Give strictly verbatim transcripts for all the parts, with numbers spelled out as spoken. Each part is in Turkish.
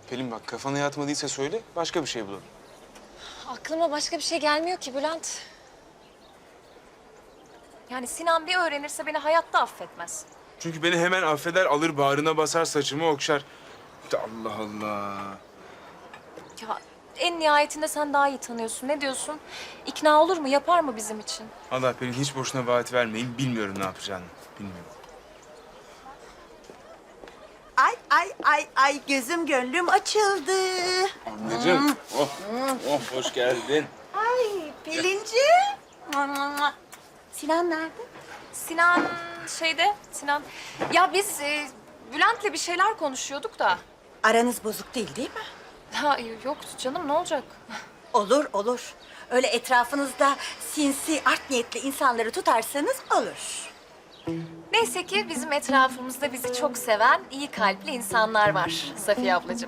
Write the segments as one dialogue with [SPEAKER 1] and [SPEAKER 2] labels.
[SPEAKER 1] Pelin bak kafana yatmadıysa söyle başka bir şey bulalım.
[SPEAKER 2] Aklıma başka bir şey gelmiyor ki Bülent. Yani Sinan bir öğrenirse beni hayatta affetmez.
[SPEAKER 1] Çünkü beni hemen affeder alır bağrına basar saçımı okşar. Allah Allah.
[SPEAKER 2] Ya en nihayetinde sen daha iyi tanıyorsun. Ne diyorsun? İkna olur mu? Yapar mı bizim için?
[SPEAKER 1] Allah Pelin hiç boşuna vaat vermeyin. Bilmiyorum ne yapacağını. Bilmiyorum.
[SPEAKER 3] Ay ay ay ay gözüm gönlüm açıldı.
[SPEAKER 1] Anneciğim. Oh, oh hoş geldin.
[SPEAKER 3] Ay Pelinci. Sinan nerede?
[SPEAKER 2] Sinan şeyde, Sinan... Ya biz e, Bülent'le bir şeyler konuşuyorduk da.
[SPEAKER 3] Aranız bozuk değil değil mi?
[SPEAKER 2] Ha yok canım ne olacak?
[SPEAKER 3] Olur olur. Öyle etrafınızda sinsi, art niyetli insanları tutarsanız olur.
[SPEAKER 2] Neyse ki bizim etrafımızda bizi çok seven, iyi kalpli insanlar var Safiye ablacığım.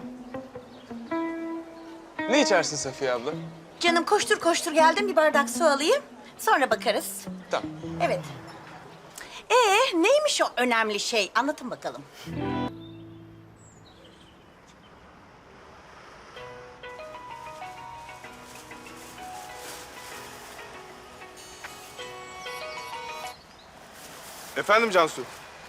[SPEAKER 1] Ne içersin Safiye abla?
[SPEAKER 3] Canım koştur koştur geldim bir bardak su alayım. Sonra bakarız.
[SPEAKER 1] Tamam.
[SPEAKER 3] Evet. Ee neymiş o önemli şey? Anlatın bakalım.
[SPEAKER 4] Efendim Cansu?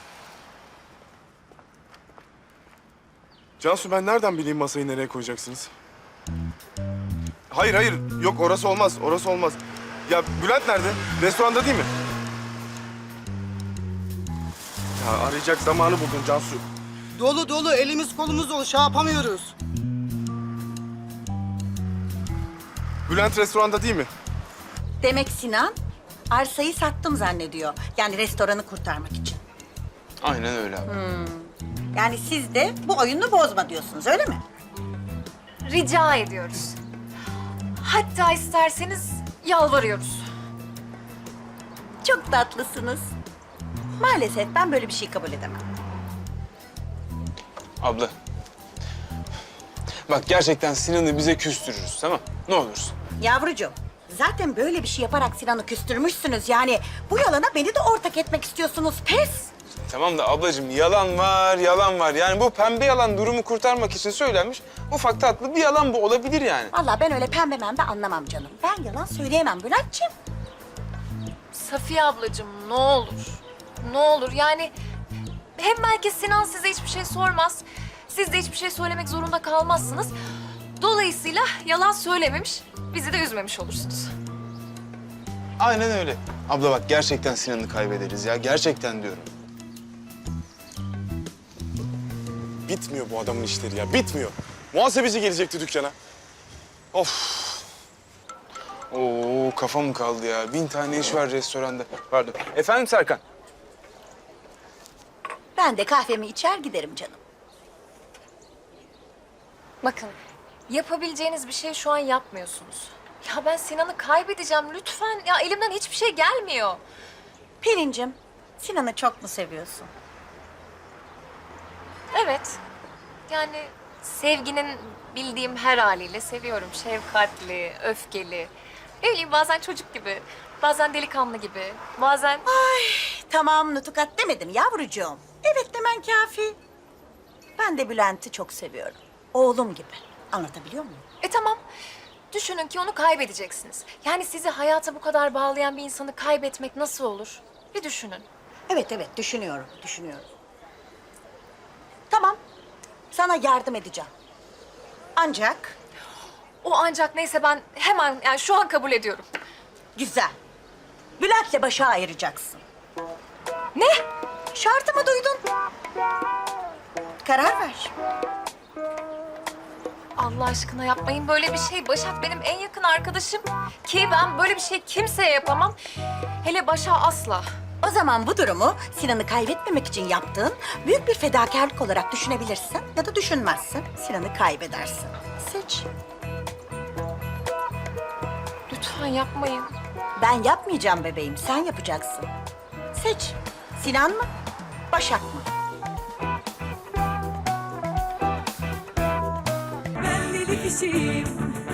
[SPEAKER 4] Cansu ben nereden bileyim masayı nereye koyacaksınız? Hayır hayır yok orası olmaz orası olmaz. Ya Bülent nerede? Restoranda değil mi? Ya arayacak zamanı buldun Cansu.
[SPEAKER 5] Dolu dolu elimiz kolumuz dolu şey yapamıyoruz.
[SPEAKER 4] Bülent restoranda değil mi?
[SPEAKER 3] Demek Sinan arsayı sattım zannediyor. Yani restoranı kurtarmak için.
[SPEAKER 1] Aynen öyle abi.
[SPEAKER 3] Yani siz de bu oyunu bozma diyorsunuz öyle mi?
[SPEAKER 2] Rica ediyoruz. Hatta isterseniz yalvarıyoruz.
[SPEAKER 3] Çok tatlısınız. Maalesef ben böyle bir şey kabul edemem.
[SPEAKER 1] Abla. Bak gerçekten Sinan'ı bize küstürürüz tamam ne olursun.
[SPEAKER 3] Yavrucuğum, zaten böyle bir şey yaparak Sinan'ı küstürmüşsünüz. Yani bu yalana beni de ortak etmek istiyorsunuz. Pes!
[SPEAKER 1] Tamam da ablacığım yalan var, yalan var. Yani bu pembe yalan durumu kurtarmak için söylenmiş ufak tatlı bir yalan bu olabilir yani.
[SPEAKER 3] Vallahi ben öyle pembe membe anlamam canım. Ben yalan söyleyemem Bülent'ciğim.
[SPEAKER 2] Safiye ablacığım ne olur. Ne olur yani hem belki Sinan size hiçbir şey sormaz. Siz de hiçbir şey söylemek zorunda kalmazsınız. Dolayısıyla yalan söylememiş, bizi de üzmemiş olursunuz.
[SPEAKER 1] Aynen öyle. Abla bak gerçekten Sinan'ı kaybederiz ya. Gerçekten diyorum.
[SPEAKER 4] Bitmiyor bu adamın işleri ya bitmiyor. Muhasebeci gelecekti dükkana. Of.
[SPEAKER 1] Oo kafam kaldı ya. Bin tane iş var restoranda. Pardon. Efendim Serkan?
[SPEAKER 3] Ben de kahvemi içer giderim canım.
[SPEAKER 2] Bakın, yapabileceğiniz bir şey şu an yapmıyorsunuz. Ya ben Sinan'ı kaybedeceğim lütfen. Ya elimden hiçbir şey gelmiyor.
[SPEAKER 3] Pelin'cim, Sinan'ı çok mu seviyorsun?
[SPEAKER 2] Evet. Yani sevginin bildiğim her haliyle seviyorum. Şefkatli, öfkeli. Ne bileyim bazen çocuk gibi, bazen delikanlı gibi, bazen...
[SPEAKER 3] Tamam nutukat demedim yavrucuğum. Evet demen kafi. Ben de Bülent'i çok seviyorum. Oğlum gibi. Anlatabiliyor muyum?
[SPEAKER 2] E tamam. Düşünün ki onu kaybedeceksiniz. Yani sizi hayata bu kadar bağlayan bir insanı kaybetmek nasıl olur? Bir düşünün.
[SPEAKER 3] Evet evet düşünüyorum, düşünüyorum. Tamam. Sana yardım edeceğim. Ancak
[SPEAKER 2] O ancak neyse ben hemen yani şu an kabul ediyorum.
[SPEAKER 3] güzel. Bülent'le başa ayıracaksın.
[SPEAKER 2] Ne?
[SPEAKER 3] Şartımı duydun. Karar ver.
[SPEAKER 2] Allah aşkına yapmayın böyle bir şey. Başak benim en yakın arkadaşım. Ki ben böyle bir şey kimseye yapamam. Hele Başak'a asla.
[SPEAKER 3] O zaman bu durumu Sinan'ı kaybetmemek için yaptığın büyük bir fedakarlık olarak düşünebilirsin ya da düşünmezsin. Sinan'ı kaybedersin. Seç.
[SPEAKER 2] Lütfen yapmayın.
[SPEAKER 3] Ben yapmayacağım bebeğim, sen yapacaksın. Seç. Sinan mı, Başak mı?
[SPEAKER 6] Ben deli kişiyim,